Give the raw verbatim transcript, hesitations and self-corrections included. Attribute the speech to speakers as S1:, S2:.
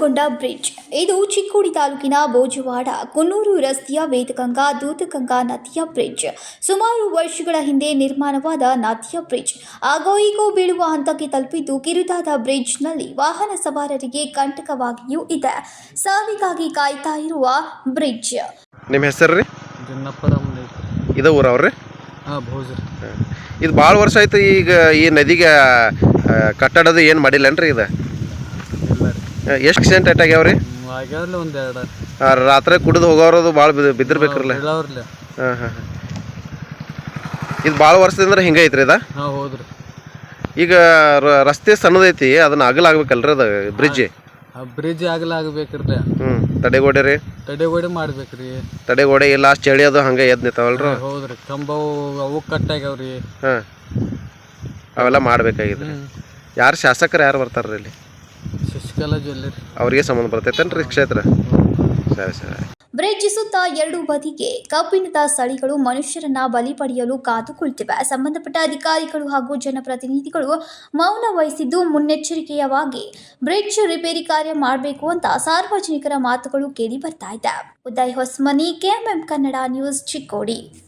S1: ನಿರ್ಮಾಣಗೊಂಡ bridge. ಇದು ಚಿಕ್ಕೋಡಿ ತಾಲೂಕಿನ ಬೋಜವಾಡ ಕುನ್ನೂರು ರಸ್ತೆಯ ವೇದಗಂಗಾ ದೂದಗಂಗಾ ನದಿಯ ಬ್ರಿಡ್ಜ್. ಸುಮಾರು ವರ್ಷಗಳ ಹಿಂದೆ ನಿರ್ಮಾಣವಾದ ನದಿಯ ಬ್ರಿಡ್ಜ್ ಆಗೋ ಈಗೋ ಬೀಳುವ ಹಂತಕ್ಕೆ ತಲುಪಿದ್ದು, ಕಿರುದಾದ ಬ್ರಿಡ್ಜ್ನಲ್ಲಿ ವಾಹನ ಸವಾರರಿಗೆ ಕಂಟಕವಾಗಿಯೂ ಇದೆ. ಸಾವಿಗಾಗಿ ಕಾಯ್ತಾ ಇರುವ ಬ್ರಿಡ್ಜ್.
S2: ನಿಮ್ಮ ಹೆಸರು ರೀ?
S3: ಇದು
S2: ಊರವ್ರಿ?
S3: ಹಾಂ, ಭೋಜ್ರಿ.
S2: ಇದು ಭಾಳ ವರ್ಷ ಆಯ್ತು. ಈಗ ಈ ನದಿಗೆ ಕಟ್ಟಡದು ಏನು ಮಾಡಿಲ್ಲನ್ರಿ? ಇದು ಎಷ್ಟು ಆಕ್ಸಿಡೆಂಟ್ ಏಟ್ ಆಗ್ಯಾವ್ರಿ?
S3: ಆಗ್ಯಾವ್ರಿ ಒಂದು ಎರಡು.
S2: ರಾತ್ರಿ ಕುಡಿದು ಹೋಗೋರದು ಭಾಳ ಬಿದ್ದಿರ್ಬೇಕ್ರಲ್ಲ? ಹಾಂ ಹಾಂ ಇದು ಭಾಳ ವರ್ಷದಿಂದ ಹಿಂಗೆ ಐತ್ರಿ ಇದು?
S3: ಹಾಂ, ಹೌದ್ರಿ.
S2: ಈಗ ರಸ್ತೆ ಸಣ್ಣದೈತಿ, ಅದನ್ನ ಅಗಲ ಆಗ್ಬೇಕಲ್ರಿ ಅದು ಬ್ರಿಡ್ಜ್?
S3: ಬ್ರಿಡ್ಜ್ ಆಗಲ ಆಗ್ಬೇಕ್ರಿ.
S2: ಹ್ಞೂ ತಡೆಗೋಡೆ ರೀ?
S3: ತಡೆಗೋಡೆ ಮಾಡ್ಬೇಕ್ರಿ.
S2: ತಡೆಗೋಡೆ ಇಲ್ಲ, ಚಳಿ ಅದು ಹಂಗೆ ಎದ್ದು ನಿಂತಾವಲ್ರಿ?
S3: ಹೌದ್ರಿ. ಕಂಬವು ಅವು ಕಟ್ ಆಗ್ಯಾವ್ರಿ.
S2: ಹಾಂ, ಅವೆಲ್ಲ ಮಾಡ್ಬೇಕಾಗಿದ್ರಿ. ಯಾರು ಶಾಸಕರು ಯಾರು ಬರ್ತಾರ್ರಿ ಇಲ್ಲಿ?
S3: ಶಶಿಕಲಾ ಜ್ಯುವೆಲ್ಲರಿ.
S2: ಅವ್ರಿಗೆ ಸಂಬಂಧ ಬರ್ತೈತೇನ್ರಿ ಕ್ಷೇತ್ರ? ಸರಿ ಸರಿ.
S1: ಬ್ರಿಡ್ಜ್ ಸುತ್ತ ಎರಡು ಬದಿಗೆ ಕಬ್ಬಿಣದ ಸಳಿಗಳು ಮನುಷ್ಯರನ್ನ ಬಲಿ ಪಡೆಯಲು ಕಾದು ಕುಳಿತಿವೆ. ಸಂಬಂಧಪಟ್ಟ ಅಧಿಕಾರಿಗಳು ಹಾಗೂ ಜನಪ್ರತಿನಿಧಿಗಳು ಮೌನ ವಹಿಸಿದ್ದು, ಮುನ್ನೆಚ್ಚರಿಕೆಯವಾಗಿ ಬ್ರಿಡ್ಜ್ ರಿಪೇರಿ ಕಾರ್ಯ ಮಾಡಬೇಕು ಅಂತ ಸಾರ್ವಜನಿಕರ ಮಾತುಗಳು ಕೇಳಿ ಬರ್ತಾ ಇದೆ. Uday Hosamani, KMM Kannada news, Chikkodi.